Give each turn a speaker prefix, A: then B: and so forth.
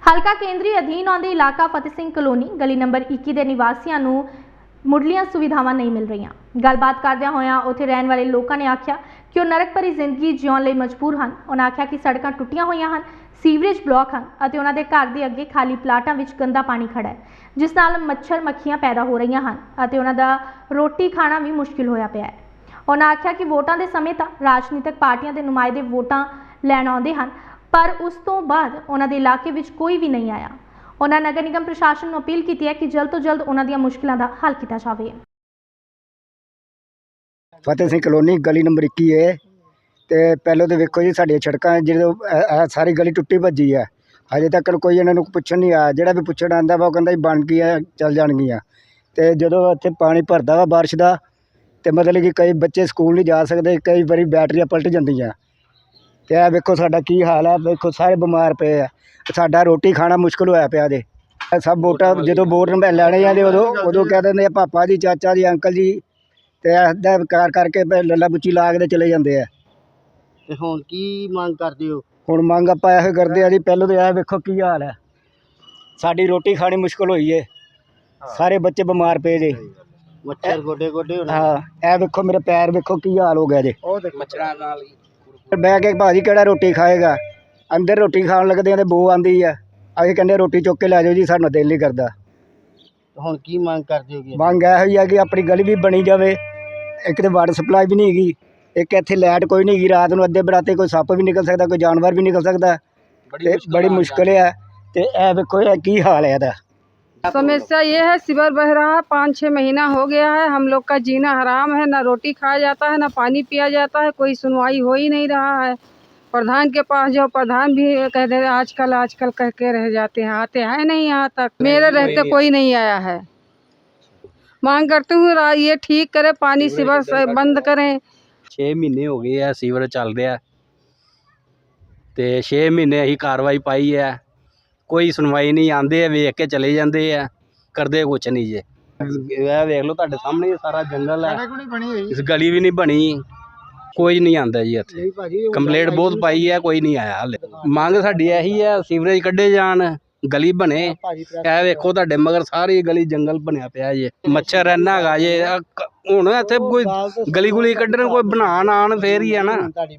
A: ਹਲਕਾ ਕੇਂਦਰੀ ਅਧੀਨ ਆਉਂਦੇ ਇਲਾਕਾ ਫਤਿਹ ਸਿੰਘ ਕਲੋਨੀ ਗਲੀ ਨੰਬਰ 21 ਦੇ ਨਿਵਾਸੀਆਂ ਨੂੰ ਮੁੱਢਲੀਆਂ ਸੁਵਿਧਾਵਾਂ ਨਹੀਂ ਮਿਲ ਰਹੀਆਂ। ਗੱਲਬਾਤ ਕਰਦਿਆਂ ਹੋਇਆਂ ਉੱਥੇ ਰਹਿਣ ਵਾਲੇ ਲੋਕਾਂ ਨੇ ਆਖਿਆ ਕਿ ਉਹ ਨਰਕ ਭਰੀ ਜ਼ਿੰਦਗੀ ਜਿਉਣ ਲਈ ਮਜਬੂਰ ਹਨ। ਉਹਨਾਂ ਆਖਿਆ ਕਿ ਸੜਕਾਂ ਟੁੱਟੀਆਂ ਹੋਈਆਂ ਹਨ, ਸੀਵਰੇਜ ਬਲਾਕ ਹਨ ਅਤੇ ਉਹਨਾਂ ਦੇ ਘਰ ਦੇ ਅੱਗੇ ਖਾਲੀ ਪਲਾਟਾਂ ਵਿੱਚ ਗੰਦਾ ਪਾਣੀ ਖੜਾ ਹੈ, ਜਿਸ ਨਾਲ ਮੱਛਰ ਮੱਖੀਆਂ ਪੈਦਾ ਹੋ ਰਹੀਆਂ ਹਨ ਅਤੇ ਉਹਨਾਂ ਦਾ ਰੋਟੀ ਖਾਣਾ ਵੀ ਮੁਸ਼ਕਿਲ ਹੋਇਆ ਪਿਆ ਹੈ। ਉਹਨਾਂ ਆਖਿਆ ਕਿ ਵੋਟਾਂ ਦੇ ਸਮੇਂ ਤਾਂ ਰਾਜਨੀਤਿਕ ਪਾਰਟੀਆਂ ਦੇ ਨੁਮਾਇੰਦੇ ਵੋਟਾਂ ਲੈਣ ਆਉਂਦੇ ਹਨ, ਪਰ ਉਸ ਤੋਂ ਬਾਅਦ ਉਹਨਾਂ ਦੇ ਇਲਾਕੇ ਵਿੱਚ ਕੋਈ ਵੀ ਨਹੀਂ ਆਇਆ। ਉਹਨਾਂ ਨਗਰ ਨਿਗਮ ਪ੍ਰਸ਼ਾਸਨ ਨੂੰ ਅਪੀਲ ਕੀਤੀ ਹੈ ਕਿ ਜਲਦ ਤੋਂ ਜਲਦ ਉਹਨਾਂ ਦੀਆਂ ਮੁਸ਼ਕਲਾਂ ਦਾ ਹੱਲ ਕੀਤਾ ਜਾਵੇ।
B: ਫਤਿਹ ਸਿੰਘ ਕਲੋਨੀ ਗਲੀ ਨੰਬਰ 21 है। तो पहले तो वेखो जी साडियां सड़कां जो सारी गली टुट्टी भज्जी है, हजे तक कोई इन्होंने पुछण नहीं आया। जिहड़ा भी पुछण आंदा वा कहंदा बन गई है, चल जाणगियां। तो जदों इत्थे पानी भरदा वा बारिश का, तो मतलब कि कई बच्चे स्कूल नहीं जा सकते, कई बारी बैटरियां पलट जांदियां। तो यह वेखो साडा की हाल है, वेखो सारे बीमार पे है, साडा रोटी खाना मुश्किल होया पिया। जे सब वोटां जदों वोट लैणे आंदे उदों कह दिंदे पापा जी, चाचा जी, अंकल जी, तो इहदा कार करके लल्ला बुच्ची ला के चले जाते हैं।
C: ਤੇ ਹੁਣ ਕੀ ਮੰਗ ਕਰਦੇ ਹੋ?
B: ਹੁਣ ਮੰਗ ਆਪਾਂ ਇਹੋ ਕਰਦੇ ਆ ਜੀ, ਪਹਿਲਾਂ ਤਾਂ ਇਹ ਵੇਖੋ ਕੀ ਹਾਲ ਹੈ, ਸਾਡੀ ਰੋਟੀ ਖਾਣੀ ਮੁਸ਼ਕਲ ਹੋਈ ਏ, ਸਾਰੇ ਬੱਚੇ ਬਿਮਾਰ ਪਏ ਜੇ,
C: ਮੱਛਰ ਗੋਡੇ ਗੋਡੇ ਹੋਣਾ।
B: ਹਾਂ ਇਹ ਵੇਖੋ ਮੇਰੇ ਪੈਰ ਵੇਖੋ ਕੀ ਹਾਲ ਹੋ ਗਿਆ ਜੇ,
C: ਉਹ ਦੇਖ ਮੱਛਰਾਂ ਨਾਲ ਹੀ
B: ਬਹਿ ਕੇ ਭਾਜੀ ਕਿਹੜਾ ਰੋਟੀ ਖਾਏਗਾ। ਅੰਦਰ ਰੋਟੀ ਖਾਣ ਲੱਗਦੇ ਆ ਤੇ ਬੋ ਆਂਦੀ ਆ, ਅਸੀਂ ਕਹਿੰਦੇ ਰੋਟੀ ਚੁੱਕ ਕੇ ਲੈ ਜਾਓ ਜੀ, ਸਾਡਾ ਦਿਲ ਨਹੀਂ ਕਰਦਾ।
C: ਹੁਣ ਕੀ ਮੰਗ ਕਰਦੇ ਹੋਗੇ?
B: ਮੰਗ ਇਹੋ ਹੀ ਆ ਕਿ ਆਪਣੀ ਗਲੀ ਵੀ ਬਣੀ ਜਾਵੇ, ਇੱਕ ਤਾਂ ਵਾਟਰ ਸਪਲਾਈ ਵੀ ਨਹੀਂ ਹੈਗੀ, एक इत्थे लाइट कोई नहीं, रात को अद्धे बराते कोई सप्प भी निकल सकता, कोई जानवर भी निकल सकता, बड़ी मुश्किल है। तो यह देखो की हाल है इहदा।
D: समस्या ये है, सीवर बह रहा है, 5-6 महीना हो गया है, हम लोग का जीना हराम है, ना रोटी खाया जाता है, ना पानी पिया जाता है, कोई सुनवाई हो ही नहीं रहा है। प्रधान के पास जाओ, प्रधान भी कहते हैं आजकल कह के रह जाते हैं, आते हैं नहीं यहाँ तक, मेरे रहते कोई नहीं आया है। मांग करते हुए ये ठीक करे, पानी सीवर बंद करें।
E: 6 ਮਹੀਨੇ ਹੋ ਗਏ ਆ ਸੀਵਰ ਚੱਲ ਰਿਹਾ, ਤੇ 6 ਮਹੀਨੇ ਅਸੀਂ ਕਾਰਵਾਈ ਪਾਈ ਹੈ, ਕੋਈ ਸੁਣਵਾਈ ਨਹੀਂ। ਆਂਦੇ ਆ ਵੇਖ ਕੇ ਚਲੇ ਜਾਂਦੇ ਆ, ਕਰਦੇ ਕੁਛ ਨਹੀਂ ਜੇ। ਇਹ ਵੇਖ ਲਓ ਤੁਹਾਡੇ ਸਾਹਮਣੇ ਸਾਰਾ ਜੰਗਲ ਹੈ, ਇਸ ਗਲੀ ਵੀ ਨਹੀਂ ਬਣੀ, ਕੋਈ ਨਹੀਂ ਆਂਦਾ ਜੀ ਇੱਥੇ। ਕੰਪਲੇਂਟ ਬਹੁਤ ਪਾਈ ਹੈ, ਕੋਈ ਨਹੀਂ ਆਇਆ ਹਾਲੇ। ਮੰਗ ਸਾਡੀ ਇਹੀ ਹੈ, ਸੀਵਰੇਜ ਕੱਢੇ ਜਾਣ, ਗਲੀ ਬਣੇ। ਇਹ ਵੇਖੋ ਤੁਹਾਡੇ ਮਗਰ ਸਾਰੀ ਗਲੀ ਜੰਗਲ ਬਣਿਆ ਪਿਆ ਜੇ, ਮੱਛਰ ਇੰਨਾ ਹੈਗਾ ਜੇ। ਹੁਣ ਇੱਥੇ ਕੋਈ ਗਲੀ ਗੁਲੀ ਕੱਢਣ ਕੋਈ ਬਣਾਉਣ ਆਣ ਫੇਰ ਹੀ ਹੈ ਨਾ।